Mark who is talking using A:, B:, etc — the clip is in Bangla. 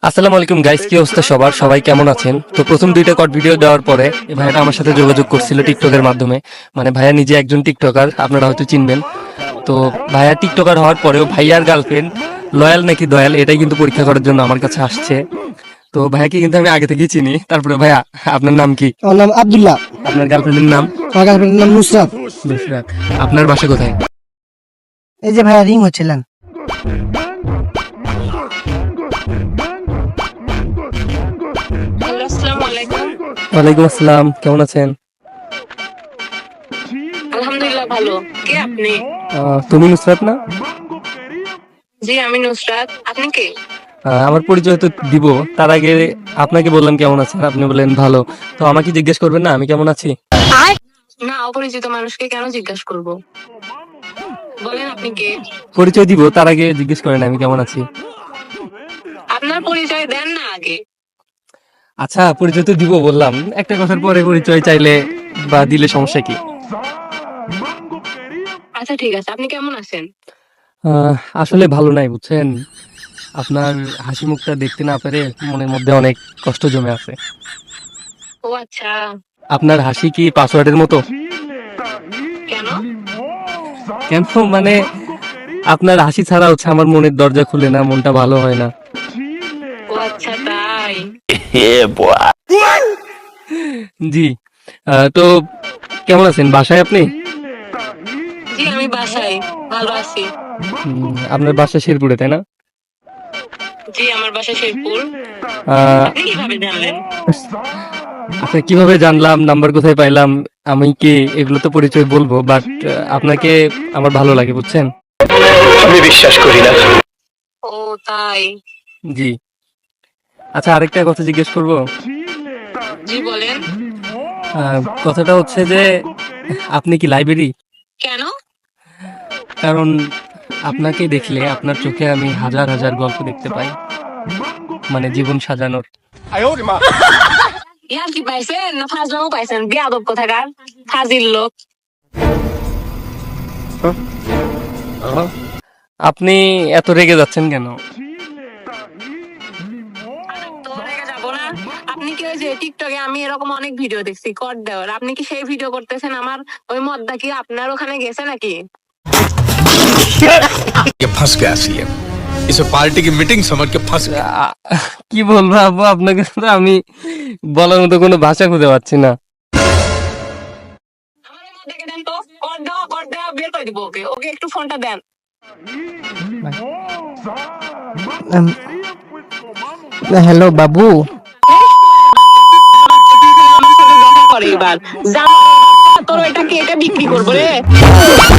A: আসসালামু আলাইকুম গাইস, কি অবস্থা সবার? সবাই কেমন আছেন? তো প্রথম দুইটা কট ভিডিও দেওয়ার পরে এই ভাইয়াটা আমার সাথে যোগাযোগ করছিল টিকটকের মাধ্যমে। মানে ভাইয়া নিজে একজন টিকটকার, আপনারা হয়তো চিনবেন। তো ভাইয়া টিকটকার হওয়ার পরেও ভাইয়ার গার্লফ্রেন্ড লয়াল নাকি দয়াল এটাই কিন্তু পরীক্ষা করার জন্য আমার কাছে আসছে। তো ভাইয়াকে কিন্তু আমি আগে থেকেই চিনি। তারপরে ভাইয়া, আপনার নাম কি?
B: আমার নাম আব্দুল্লাহ।
A: আপনার গার্লফ্রেন্ডের নাম?
B: আমার গার্লফ্রেন্ডের নাম নুসরাত।
A: নুসরাত। আপনার বাসা কোথায়?
B: এই যে ভাইয়া রিং হচ্ছিলেন।
C: হ্যালো, আসসালামু আলাইকুম।
A: ওয়ালাইকুম আসসালাম, কেমন আছেন?
C: আলহামদুলিল্লাহ ভালো। কে আপনি?
A: তুমি নুসরাত না?
C: জি, আমি নুসরাত। আপনি কে?
A: আমার পরিচয় তো দিব, তার আগে আপনাকে বললাম কেমন আছেন, আপনি বললেন ভালো। তো আমাকে জিজ্ঞেস করবেন না আমি কেমন আছি?
C: না, অপরিচিত মানুষকে কেন জিজ্ঞাসা করব? বলেন আপনি কে?
A: পরিচয় দিব, তার আগে জিজ্ঞেস করেন আমি কেমন আছি।
C: আপনার পরিচয় দেন না আগে।
A: আচ্ছা, পরিচয় তো দিব বললাম, একটা কথার পরে পরিচয় চাইলে বা দিলে সমস্যা কি?
C: আচ্ছা ঠিক আছে, আপনি কেমন আছেন?
A: আসলে ভালো নাই বুঝছেন, আপনার হাসি মুখটা দেখতে না পেরে মনের মধ্যে অনেক কষ্ট জমে আছে।
C: ও আচ্ছা।
A: আপনার হাসি কি পাসওয়ার্ডের মতো?
C: কেন?
A: কেন মানে, আপনার হাসি ছাড়া হচ্ছে আমার মনের দরজা খুলে না, মনটা ভালো হয় না।
C: ও আচ্ছা তাই।
A: জি। তো কেমন আছেন? বাসায় আপনি?
C: জি, আমি বাসায় ভালো আছি।
A: আপনার বাসা শেরপুরে তাই না?
C: জি, আমার বাসা শেরপুর।
A: আহ,
C: আপনি কিভাবে জানলেন?
A: আচ্ছা, কিভাবে জানলাম, নাম্বার কোথায় পাইলাম, আমি কি এগুলো তো পরিচয় বলবো, বাট আপনাকে আমার ভালো লাগে বুঝছেন।
D: আমি বিশ্বাস করি না।
C: ও তাই।
A: জি। আচ্ছা, আরেকটা কথা জিজ্ঞেস করবো।
C: জি বলেন।
A: কথাটা হচ্ছে যে আপনি কি লাইব্রেরি?
C: কেন?
A: কারণ আপনাকে দেখলে আপনার চোখে আমি হাজার হাজার গল্প দেখতে পাই, মানে জীবন সাজানোর।
C: ইয়ার কি পাইছেন না ফাজলামও পাইছেন? বেয়াদব কোথাকার, ফাজিল লোক।
A: আপনি এত রেগে যাচ্ছেন কেন?
C: তো রেগে যাবো না। আপনি কি ওই যে টিকটকে আমি এরকম অনেক ভিডিও দেখছি কর দেওয়ার, আপনি কি সেই ভিডিও করতেছেন? আমার ওই মদ্দা কি আপনার ওখানে গেছে নাকি?
E: ये फंस गया सीएम। इसे पार्टी की मीटिंग समझ के फंस गया।
A: আ- কি বলবো আব্বু, আপনাকে তো আমি বলার মতো কোনো ভাষা খুঁজে পাচ্ছি না।
C: আমার এই মদ্দাকে দেন তো, কর দেওয়া বের করে দিব ওকে। ওকে একটু ফোনটা দেন।
B: হ্যালো বাবু।
C: আমার সাথে দেখা করে এবার। তোর ওইটা কেটে বিক্রি করবো রে।